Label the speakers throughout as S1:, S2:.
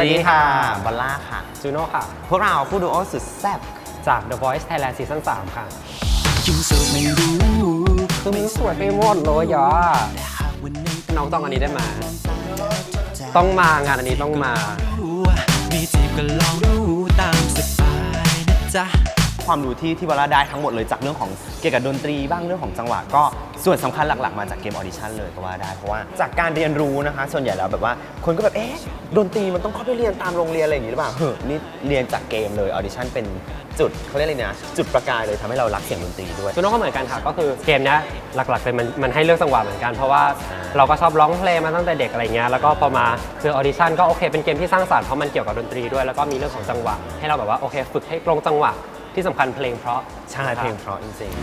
S1: วัสดีค่ะบอลล่าค่ะ
S2: จูโน่ค่ะ
S1: พวกเราคู่ดูโอสุดแซ่บ
S2: จาก The Voice Thailand Season 3 ค่ะ
S1: คือมันสวยไปหมดเลยอ่ะ
S2: น้องต้องอันนี้ได้มาต้องมางานอันนี้ต้องมา
S1: มีจีบก็ลองดูตามสบายนะจ๊ะความรู้ที่บอลล่าได้ทั้งหมดเลยจากเรื่องของเกี่ยวกับดนตรีบ้างเรื่องของจังหวะก็ส่วนสำคัญหลักๆมาจากเกมออดิชั่นเลยก็ว่าได้เพราะว่าจากการเรียนรู้นะคะส่วนใหญ่แล้วแบบว่าคนก็แบบดนตรีมันต้องเข้าไปเรียนตามโรงเรียนอะไรอย่างนี้หรือเปล่านี่เรียนจากเกมเลยออดิชั่นเป็นจุดเขาเรียกอะไรนะจุดประกายเลยทำให้เรารักเสียงดนตรีด้วย
S2: จูโน่ก็เหมือนกันค่ะก็คือเกมนี้หลักๆเลยมันให้เลือกจังหวะเหมือนกันเพราะว่าเราก็ชอบร้องเพลงมาตั้งแต่เด็กอะไรเงี้ยแล้วก็พอมาคือออดิชั่นก็โอเคเป็นเกมที่สร้างสรรค์เพราะมันเกี่ยวกับดนตรีด้วยแล้วก็มีเรื่องของจังหวะให้เราแบบว่าโอเคฝึกให้ตรงจังหวะที่สำคัญเพลงเพราะ
S1: ใช่เพลงเพราะจริง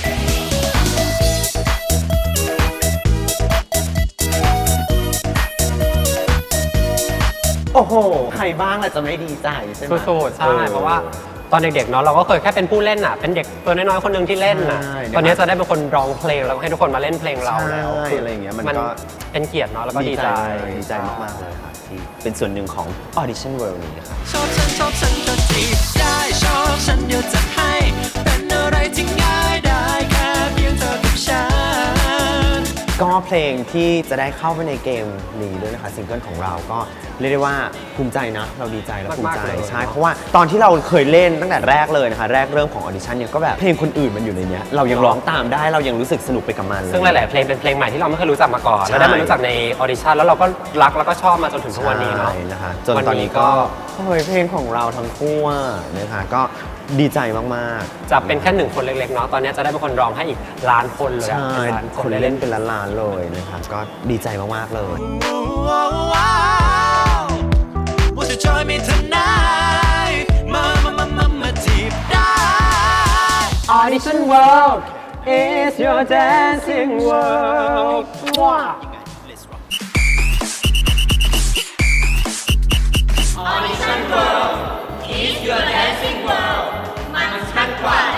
S1: ๆโอ้โหใครบ้างแหละจะไม่ดีใจใช่ไหม
S2: สุดๆใช่เพราะว่าตอนเด็กๆเนาะเราก็เคยแค่เป็นผู้เล่นอ่ะเป็นเด็กตัวน้อยๆคนหนึ่งที่เล่นอ่ะตอนนี้จะได้เป็นคนร้องเพลงแล้วให้ทุกคนมาเล่นเพลงเราแล้ว
S1: อะไรอย่างเงี้ยมันก็
S2: เป็นเกียรติเนาะแล้วก็ดีใจ
S1: มากๆเลยค่ะที่เป็นส่วนหนึ่งของ Audition World นี้ค่ะ
S3: ชอบฉันก็จีบได้ชอบฉันเดี๋ยวจะให้เป็นอะไรที่ง่ายได้แค่เพียงเธอกับฉัน
S1: ก็เพลงที่จะได้เข้าไปในเกมนี้ด้วยนะคะซิงเกิลของเราก็เรียกได้ว่าภูมิใจนะเราดีใจและภูมิใจใช่เพราะว่าตอนที่เราเคยเล่นตั้งแต่แรกเลยนะคะแรกเริ่มของออดิชั่นเนี่ยก็แบบเพลงคนอื่นมันอยู่ในนี้เรายังร้องตามได้เรายังรู้สึกสนุกไปกับมัน
S2: ซึ่งหลายๆเพลงเป็นเพลงใหม่ที่เราไม่เคยรู้จักมาก่อนแล้วได้มารู้จักในออดิชั่นแล้วเราก็รักแล้วก็ชอบมาจนถึงทุกวันนี้เนาะ
S1: นะคะจนตอนนี้ก็เพลงของเราทั้งคู่นะคะก็ดีใจมาก
S2: ๆจะเป็นแค่1คนเล็กๆเนาะตอนนี้จะได้เป็นคนร้องให้อีกล้านคนเลย
S1: ใช่คนเล่นเป็นล้านๆเลยนะคะก็ดีใจมากๆเลย
S2: Audition World is your dancing world
S3: Audition World is your dancing world มันชัดกว่า